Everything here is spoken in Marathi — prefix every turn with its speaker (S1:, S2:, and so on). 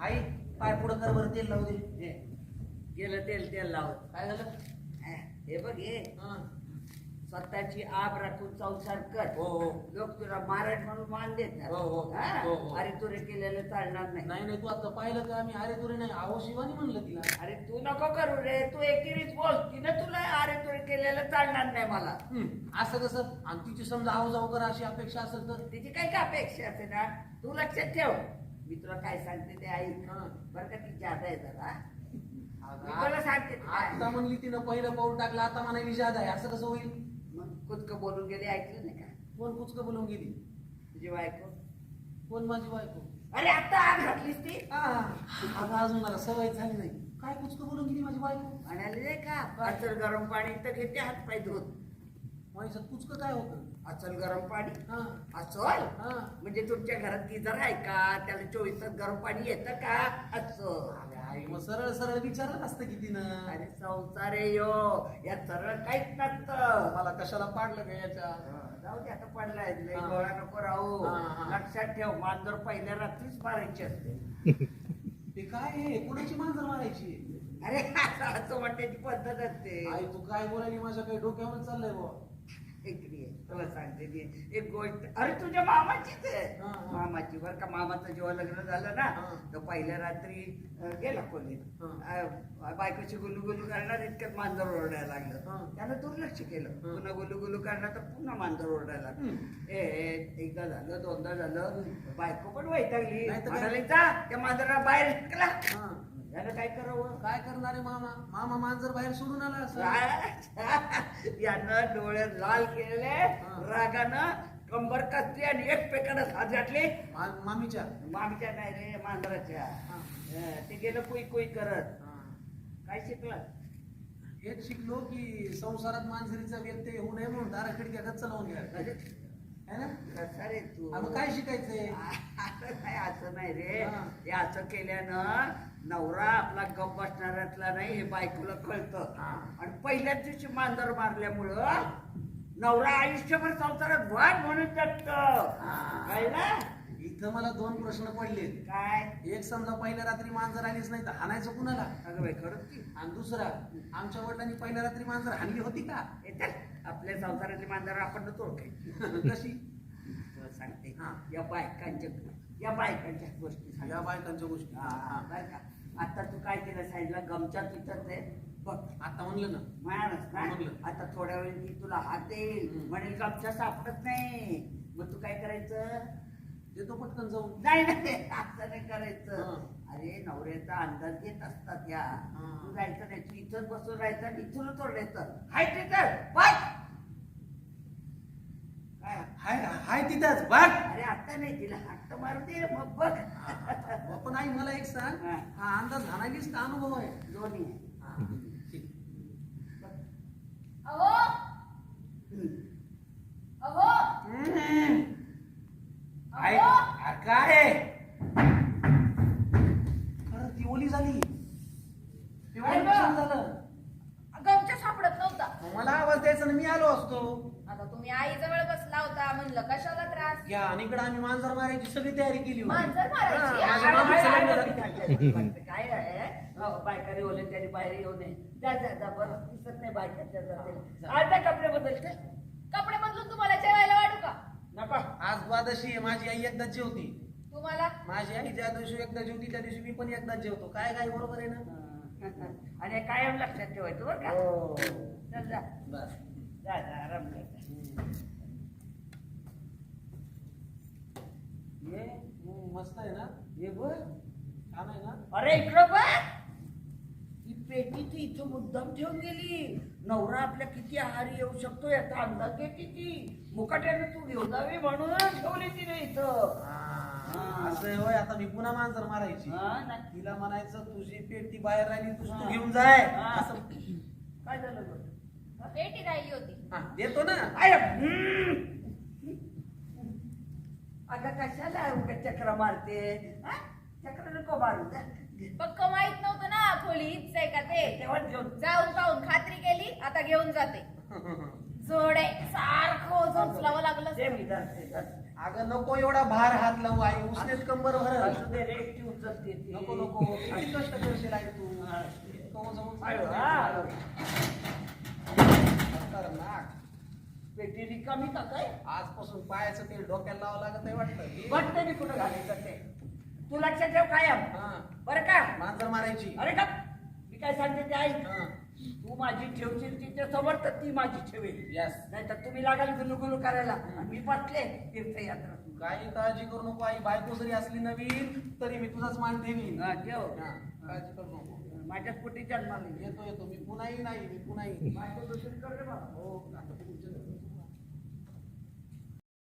S1: आई पाय पुढं कर बरं, तेल लावू दे.
S2: गेलं तेल लावत.
S1: काय झालं?
S2: हे बघ हे स्वतःची आब राखून संसार कर.
S1: हो हो.
S2: लोक तुला महाराज म्हणून मान देत
S1: हो, हो. हो, हो.
S2: अरे तुरे केलेलं चालणार नाही.
S1: नाही नाही, तू आता पाहिलं का मी अरे तुरे नाही आहो शिवानी म्हणलं तिला.
S2: अरे तू नको करू रे, तू एकेरीच बोल. तिने तुला अरे तुरे केलेलं चालणार नाही मला.
S1: असं कसं? आणि तिची समजा आहो जाऊ कर अशी अपेक्षा असेल तर?
S2: तिची काय का अपेक्षा असते ना, तू लक्षात ठेव. मी तुला काय सांगते ते ऐक. बरं का, ती जादा आहे जरा. मी तुला सांगते
S1: आता म्हणली तिनं पहिलं पाऊल टाकलं, आता म्हणाली जादा आहे, असं कसं होईल?
S2: मग कुचकं बोलून गेली, ऐकलं नाही का?
S1: कोण कुचकं बोलून गेली?
S2: तुझी बायको.
S1: कोण माझी बायको?
S2: अरे आता आग घातलीस ती.
S1: आता अजून मला सवय झाली नाही. काय कुचकं बोलून गेली माझी बायको?
S2: म्हणाले नाही का, अचल गरम पाणी तर घेते हात पाय धुत.
S1: माझ्यात कुचकं काय होतं?
S2: अचल गरम पाणी.
S1: हा
S2: अचल
S1: हा.
S2: म्हणजे तुमच्या घरात गिझर आहे का? त्याला 24 तास गरम पाणी येतं का? असं.
S1: आई मग सरळ सरळ विचारत असतं की तिनं.
S2: अरे संसार आहे यो, या सरळ काहीच नसतं.
S1: मला कशाला पाडलं का याच्या?
S2: जाऊ दे, आता पडलाय लय
S1: हा.
S2: गोळा नको राहू.
S1: हा.
S2: लक्षात ठेव, मांजर पहिल्या रात्रीच मारायची असते.
S1: ते काय आहे? कोणाची मांजर मारायची?
S2: अरे असं वाटायची पद्धत असते.
S1: आई तू काय बोलायली? माझ्या काही डोक्यावर चाललंय बुवा.
S2: इकडे ये, तुला सांगते मी एक गोष्ट. अरे तुझ्या मामाचीच आहे.
S1: हा, हा.
S2: मामाची बरं का. मामाचं जेव्हा लग्न झालं ना,
S1: हा.
S2: तर पहिल्या रात्री गेला खोलीत. बायकोची गुलू गुलू करणार, इतक्यात मांजर ओरडायला
S1: हा.
S2: लागलं. त्यानं दुर्लक्ष केलं.
S1: हा.
S2: पुन्हा गुलू गुलू करणार, तर पुन्हा मांजर ओरडायला लागलं. एकदा झालं, दोनदा झालं. बायको पण वैतागली.
S1: नाही तर काय?
S2: म्हणाली, जा त्या मांजराला बाहेर ढकला.
S1: हा.
S2: यानं काय करावं?
S1: काय करणार आहे मामा? मामा मांजर बाहेर सोडून आला असं.
S2: यानं डोळे लाल केलेले,
S1: हा.
S2: रागानं कंबर कसली आणि एकमेकांना हात घातले.
S1: मामीच्या.
S2: मामीच्या नाही रे, मांजराच्या.
S1: हा.
S2: ते गेलं कुई कुई करत.
S1: हा.
S2: काय शिकलं?
S1: हेच शिकलो की संसारात मांजरीचा व्यत्यय होऊ नये म्हणून दारा खिडक्या गच्च लावून घ्या. है ना?
S2: कसा रे तू?
S1: मग काय शिकायचंय?
S2: असं नाही रे.
S1: हा.
S2: हे असं केल्यानं नवरा आपला गप बसणाऱ्यातला नाही, हे बायकोला कळतं.
S1: हा.
S2: आणि पहिल्याच दिवशी मांजर मारल्यामुळं नवरा आयुष्यभर संसारात वाद म्हणून जगतं. काय ना?
S1: इथं मला दोन प्रश्न पडले.
S2: काय?
S1: एक समजा पहिल्या रात्री मांजर आलीच नाही तर हाणायचं कुणाला?
S2: अगं बाई, खरंच की.
S1: आणि दुसरा, आमच्या वडिलांनी पहिल्या रात्री मांजर हाणली होती का?
S2: हे चल, आपल्या संसारातली मांजर आपण ओळखायची.
S1: कशी?
S2: तुला सांगते.
S1: हा.
S2: या बायकांच्या गोष्टी सांग.
S1: या बायकांच्या गोष्टी.
S2: हा, बरं का. आता तू काय केलं साईडला गमच्या तिथंच आहे बघ.
S1: आता म्हणलं ना.
S2: म्हणालच ना,
S1: म्हणलं.
S2: आता थोड्या वेळ ती तुला हात येईल, म्हणेल गमच्या सापडत नाही. मग तू काय करायचं?
S1: देतो पटकन जाऊन.
S2: नाही नाही, असं नाही करायचं.
S1: हा.
S2: अरे नवऱ्याचा अंदाज घेत असतात या.
S1: हा.
S2: तू जायचं नाही, तू इथंच बसून राहायचं आणि इथूनच ओरडायचं, हाय तिथं बघ. काय?
S1: हाय तिथंच बघ.
S2: अरे आता नाही, तिला हात मारू दे मग बघ.
S1: पण आई मला एक सांग,
S2: हा.
S1: हा अंदाज घालायलीच का अनुभव आहे?
S2: दोन्ही आहे.
S1: हा, ठीक.
S3: अहो अहो
S1: आई,
S3: अहो
S1: काय खरं ती ओली झाली. ती ओली कशाला झालं?
S3: गमच्या सापडत नव्हता.
S1: मला आवाज द्यायचा ना, मी आलो असतो.
S3: आता तुम्ही आई जवळ बसला होता, म्हणलं कशाला त्रास.
S1: घ्या आणि इकडे आम्ही मांजर मारायची सगळी तयारी केली होती.
S3: मांजर मारायची?
S1: हा, माझ्या
S2: अरे,
S1: मामीचं
S2: अरे,
S1: लग्न
S2: अरे,
S1: झालं.
S2: काय आहे? बायकाने ओले त्याने बाहेर येऊ नये. जा बरं, दिसत नाही बायकाच्या जाते. आता कपडे बदलते.
S3: कपडे बदलून तुम्हाला जेवायला वाढू का?
S2: नको.
S1: आज द्वादशी आहे, माझी आई एकदाच जेवती.
S3: तुम्हाला
S1: माझी आई ज्या दिवशी एकदा जेवती त्या दिवशी मी पण एकदाच जेवतो. काय काय बरोबर आहे ना?
S2: आणि कायम लक्षात ठेवायचं बरं का.
S1: हो.
S2: चल जा
S1: बस.
S2: जा आराम कर.
S1: ये मस्त आहे ना?
S2: ये बघ.
S1: छान आहे ना?
S2: अरे इकडं बघ, ही पेटी ती इथं मुद्दाम ठेवून गेली. नवरा आपल्या किती आहारी येऊ शकतो याचा अंदाज घेते ती. मुकाट्याने तू घेऊन जावी म्हणून ठेवली तिने इथं.
S1: असं आहे होय. आता मी पुन्हा मांजर मारायची.
S2: हा ना.
S1: तिला म्हणायचं तुझी पेटी बाहेर राहिली, तू घेऊन जाय.
S2: हा.
S1: असं
S2: काय झालं बघ?
S3: पेटी राहिली होती.
S1: हा, देतो ना.
S2: अगं कशाला उगाच चक्र मारते? हा? चक्र नको मारू.
S3: पक्क माहित नव्हतं ना खोली हीच आहे का ते.
S2: तेव्हा घेऊन
S3: जाऊन पाहून खात्री केली, आता घेऊन जाते. जोडे सारखं ओझं उचलावं लागलं.
S2: दे मी धरते.
S1: अगं नको एवढा भार हात लावू आई, उसनेच कंबर भरल.
S2: असू दे रे, एकटी उचलते ती.
S1: नको नको किती कष्ट करशील आई तू. नको जमून
S2: आयो,
S1: सांगितलं.
S2: हा.
S1: खतरनाक.
S2: पेटी रिकामी का काय?
S1: आजपासून पायाचं तेल डोक्याला लावावं लागत आहे वाटतं.
S2: वाटतं मी कुठं घालायचं ते. तू लक्षात ठेव कायम.
S1: हा
S2: बरं का?
S1: मांजर मारायची.
S2: अरे का मी काय सांगते ते ऐक.
S1: हा
S2: तू माझी ठेवशील तिच्या समोर तर ती माझी ठेवेल.
S1: यस.
S2: नाही तर तुम्ही लागाल गुलू करायला आणि मी बसले तीर्थयात्रा.
S1: काही काळजी करू नको आई, बायको जरी असली नवीन तरी मी तुझाच मान ठेवीन.
S2: हा, ठेव.
S1: हा, काळजी करू नको.
S2: माझ्याच पोटी जन्माला
S1: येतो येतो मी पुन्हा येईन आई, मी पुन्हा येईन.
S2: माझ्या दुसरी कर रे बाबा.
S1: हो आता तुमच्या